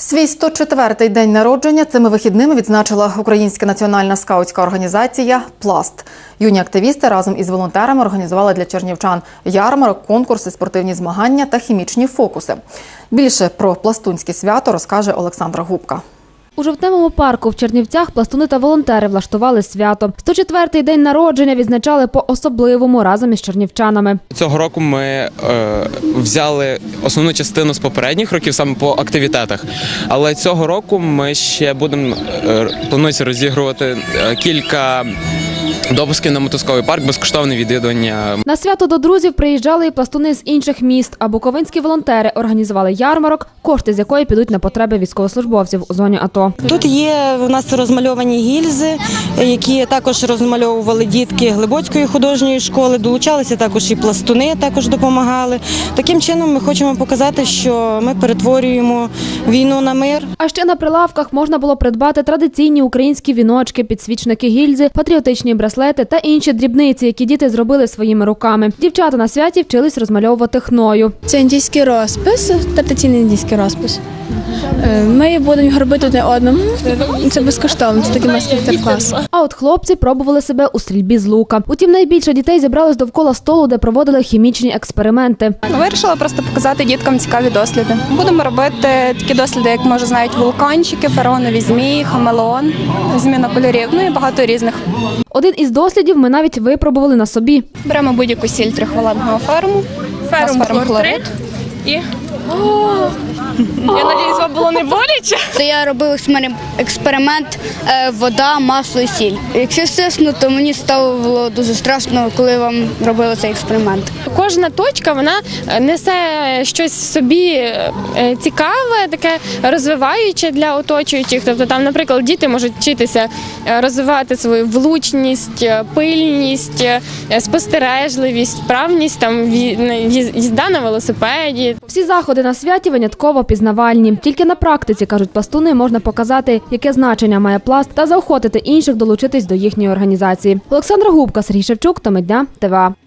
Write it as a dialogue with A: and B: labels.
A: Свій 104-й день народження цими вихідними відзначила Українська національна скаутська організація «Пласт». Юні активісти разом із волонтерами організували для чернівчан ярмарок, конкурси, спортивні змагання та хімічні фокуси. Більше про пластунське свято розкаже Олександра Губка.
B: У Жовтневому парку в Чернівцях пластуни та волонтери влаштували свято. 104-й день народження відзначали по-особливому разом із чернівчанами.
C: Цього року ми взяли основну частину з попередніх років саме по активітетах. Але цього року ми ще планується розігрувати кілька допусків на мотузковий парк, безкоштовне відвідування.
B: На свято до друзів приїжджали і пластуни з інших міст, а буковинські волонтери організували ярмарок, кошти з якої підуть на потреби військовослужбовців у зоні АТО.
D: Тут є у нас розмальовані гільзи, які також розмальовували дітки Глибоцької художньої школи, долучалися також і пластуни, також допомагали. Таким чином ми хочемо показати, що ми перетворюємо війну на мир.
B: А ще на прилавках можна було придбати традиційні українські віночки, підсвічники гільзи, патріотичні браслети та інші дрібниці, які діти зробили своїми руками. Дівчата на святі вчились розмальовувати хною.
E: Це індійський розпис, традиційний індійський розпис. Ми будемо його робити одне одному. Це безкоштовно, це такий майстер-клас.
B: А от хлопці пробували себе у стрільбі з лука. Утім, найбільше дітей зібралось довкола столу, де проводили хімічні експерименти.
F: Вирішила просто показати діткам цікаві досліди. Будемо робити такі досліди, як, може, знають, вулканчики, фараонові змії, хамелеон, зміна кольорів, ну і багато різних.
B: Один із дослідів ми навіть випробували на собі.
F: Беремо будь-яку сіль трихвалентного ферму, ферум-хлорид і... Я сподіваюся, вам було не боляче?
G: Я робив експеримент вода, масло і сіль. Якщо чесно, то мені стало дуже страшно, коли вам робили цей експеримент.
H: Кожна точка, вона несе щось в собі цікаве, таке розвиваюче для оточуючих. Тобто там, наприклад, діти можуть вчитися розвивати свою влучність, пильність, спостережливість, вправність, там їзда на велосипеді.
B: Всі заходи на святі винятково пізнавальні. Тільки на практиці, кажуть пластуни, можна показати, яке значення має пласт та заохотити інших долучитись до їхньої організації. Олександра Губка, Сергій Шевчук, Теми дня, ТВА.